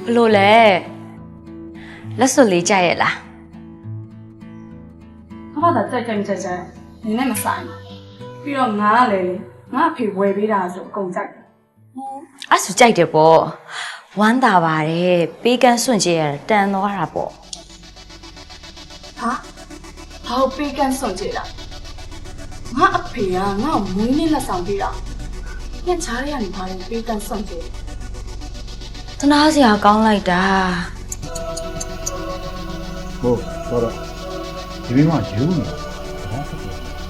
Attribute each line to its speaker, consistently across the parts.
Speaker 1: ဘလို့လဲလက်စွပ်လေးကြိုက်ရဲ့လား
Speaker 2: ဘာသာကြိုက်ကြိုက်နင်းနဲ့မဆိုင်ပြီးတော့ငါကလည်းငါအဖေဝယ်ပေးတာဆိုအကုန်ကြိုက်တယ်
Speaker 1: အဲ့ဆိုကြိုက်တယ်ပေါ့ဝမ်းသာပါတယ်ပေးကန်းစွန့်ကြရတန်သွားတာပေါ့
Speaker 2: ဟာဟောပေးကန်းစွန့်ကြတာငါအဖေကငါ့ကိုမွေးနေ့လက်ဆောင်ပေးတာညချားရရနေပါလေပေးကန်းစွန့်ကြ
Speaker 1: သနာစရာကောင်းလိုက်တာ
Speaker 3: ဟုတ်တော့ဒီဘေးမှာယူနေတာဘာဖြစ်လဲ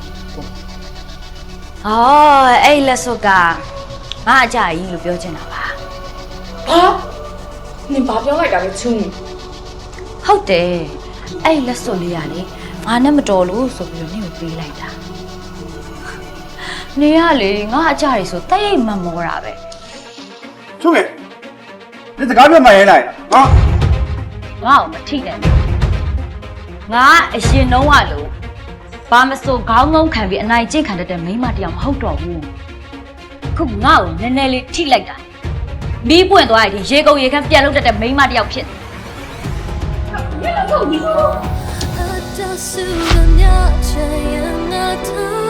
Speaker 1: ဟောအဲ့လက်စွပ်ကငါအကြကြီးလို့ပြောချင်တာပါ
Speaker 2: ဟာနင်ဘာပြောလိုက်တာလဲချူး
Speaker 1: ဟုတ်တယ်အဲ့လက်စွပ်လေးကလေငါနဲ့မတော်လို့ဆိုပြီးတော့နင့်ကိုပေးလိုက်တာနေရလေငါအကြကြီးဆိုတိတ်မမောတာပဲ
Speaker 3: ချုံးရဲ့ဒီစကားပြောမှရဲလိုက်ဟာ
Speaker 1: ငါ့ကိုမထိနဲ့ငါအရင်တုန်းကလို့ဘာမစိုးခေါင်းငုံခံပြီးအနိုင်ကျင့်ခံတတ်တဲ့မိန်းမတစ်ယောက်မဟုတ်တော့ဘူးခုငါ့ကိုနည်းနည်းလေးထိလိုက်တာမီးပွင့်သွားရင်ရေကုန်ရေခမ်းပြန်လုပ်တတ်တဲ့မိန်းမတစ်ယောက်ဖြစ်တယ်
Speaker 4: အတဆူမမြချင်ငါတို့